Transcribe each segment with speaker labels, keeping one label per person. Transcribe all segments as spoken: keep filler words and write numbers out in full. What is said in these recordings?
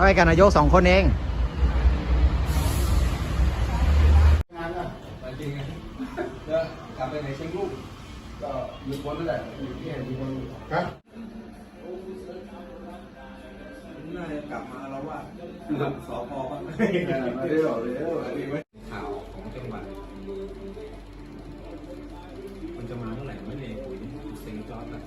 Speaker 1: ไปกับนายกสองคนเอง
Speaker 2: งานอ่ะไปจริงไงจะกลับไปไหนเชียงลูกก็อยู่คนนั่นแหละอยู่ที่ไหนอยู่คนครับน่าจะกลับมาแล้วว่าสอพอบ้างไม่ได้หรอกเลยข่าวของจังหวัดมันจะมาเมื่อไหร่ไม่เนี่ยปุ๋ยเซ็งจอดนะ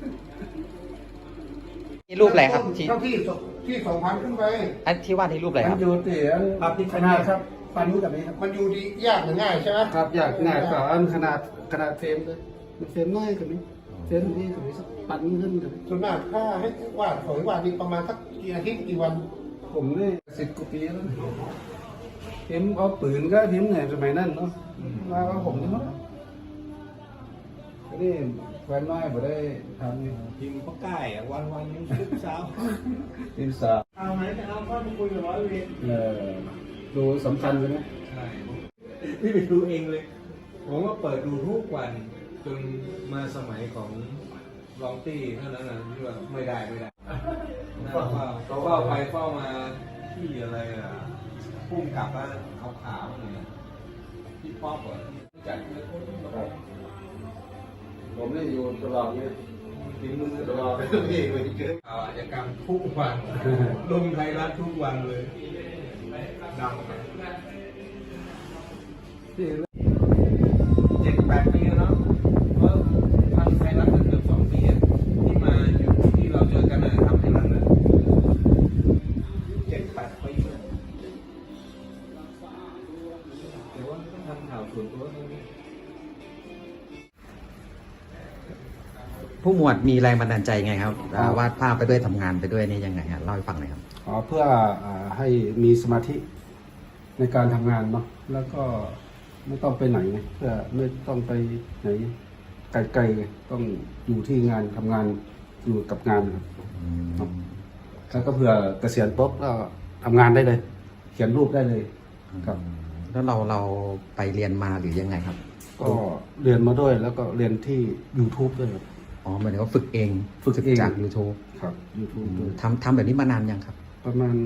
Speaker 1: นี่รูปอะไรครับที่
Speaker 2: เท่าที่ที่สองพันขึ้นไป
Speaker 1: อันที่ว่าที่รูปอะไรครับ
Speaker 2: มันอยู่ที่ภาพที่ขนาดครับฟันนี้กับนี้ครับมันอยู่ดียากหรือง่ายใช่ไหมครับยากง่ายก็อันขนาดขนาดเฟรมเลยมันเฟรมน้อยกับนี้เฟรมนี้กับนี้สักปันขึ้นกับนี้ส่วนมากถ้าให้วาดของวาดนี่ประมาณสักกี่อาทิตย์กี่วันผมนี่สิบกว่าปีแล้วพิมพ์เอาปืนก็พิมพ์เนี่ยสมัยนั้นเนาะมาก็ผมนี่มั้งนี่แฟนน้อยบ่ได้ทำพิมพ์ก็ใกล้วันวันนี้ทุกเช้าพิมพ์สาวเอาไหนจะเอาข้อมาคุยกับร้อยเวรเออดูสำคัญใช่ไหมใช่พี่ไปดูเองเลยผมว่าเปิดดูทุกวันจนมาสมัยของลองตี้เท่านั้นนะที่ว่าไม่ได้ไม่ได้เฝ้าเฝ้าไปเฝ้ามาที่อะไรอ่ะพุ่งกลับแล้วเอาขามาเนี่ยที่ป๊อปอ่ะจัดผมได้อยู่ตลอดเนี่ยทิ้งมือตลอดเลยพี่เลยเกิดข่าวอาชญากรรมทุกวันลงไทยรัฐทุกวันเลยดังเจ็ดแปดปีแล้วเนาะเพราะทางไทยรัฐเกือบสองปีที่มาอยู่ที่เราเจอกันนะทำให้รัฐนะเจ็ดแปดปีแต่ว่าต้องทำข่าวส่วนตัวตรงนี้
Speaker 1: ผู้หมวดมีแรงบันดาลใจไงครับวาดภาพไปด้วยทำงานไปด้วยนี่ยังไงครับเล่าให้ฟังหน่อยครับ
Speaker 2: อ๋อเพื่อให้มีสมาธิในการทำงานเนาะแล้วก็ไม่ต้องไปไหนเพื่อไม่ต้องไปไหนไกลๆต้องอยู่ที่งานทำงานอยู่กับงานครับแล้วก็เพื่อเกษียณปุ๊บก็ทำงานได้เลย เขียนรูปได้เลยครับ
Speaker 1: แล้วเราเราไปเรียนมาหรือยังไงครับ
Speaker 2: ก็เรียนมาด้วยแล้วก็เรียนที่ YouTube ด้วยครับ
Speaker 1: อ๋อเหมือนว่าฝึกเอง
Speaker 2: ฝึกเอง
Speaker 1: จาก YouTube
Speaker 2: ครับ YouTube ด้วย
Speaker 1: ทำทำแบบนี้มานานยังครับ
Speaker 2: ประมาณ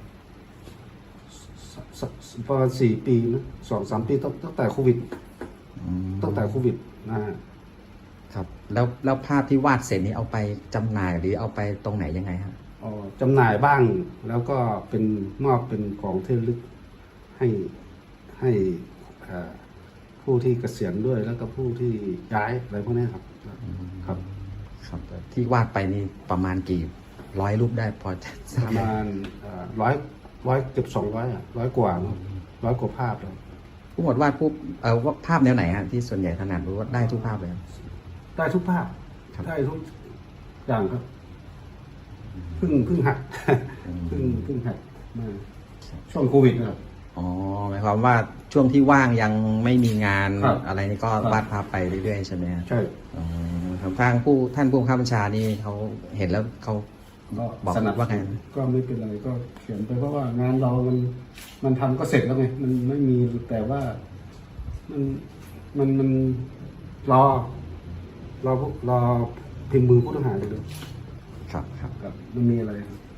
Speaker 2: ประมาณสี่ปีนะสองสามปีตั้งแต่โควิดตั้งแต่โควิด
Speaker 1: นะครับแล้วแล้วภาพที่วาดเสร็จนี้เอาไปจำหน่ายหรือเอาไปตรงไหนยังไงครับ
Speaker 2: อ๋อจำหน่ายบ้างแล้วก็เป็นมอบเป็นของที่ระลึกให้ให้ผู้ที่เกษียณด้วยแล้วก็ผู้ที่ย้ายอะไรพวกนี้ครับครับ
Speaker 1: ครับที่วาดไปนี่ประมาณกี่ร้อยรูปได้พอจะทราบ
Speaker 2: ประมาณร้อยร้อยเกือบสองร้อยอ่ะร้อยกว่าร้อยกว่าภาพแล้ว
Speaker 1: ผู้หมวดวาดผู้เอ่อว่าภาพแนวไหนฮะที่ส่วนใหญ่ถนัดหรือว่าได้ทุกภาพเลย
Speaker 2: ได้ทุกภาพได้ทุกอย่างครับเพิ่งเพิ่งหัดเพิ่งเพิ่งหัดมาช่วงโควิดนะครับ
Speaker 1: อ๋อหมายความว่าช่วงที่ว่างยังไม่มีงานอะไรนี่ก็วาดภาพไปเรื่อยๆใช่ไหม
Speaker 2: ใช่
Speaker 1: ทางผู้ท่านผู้บังคับบัญชานี่เขาเห็นแล้วเขาบอกว่าไง
Speaker 2: ก็ไม่เป็นไรก็เขียนไปเพราะว่างานเรามันมันทำก็เสร็จแล้วไงมันไม่มีแต่ว่ามันมันมันรอรอรอพิมพ์มือผู้ต้องหาอยู่ด้วย
Speaker 1: ครับครับ
Speaker 2: ครับมันมีอะไรครับ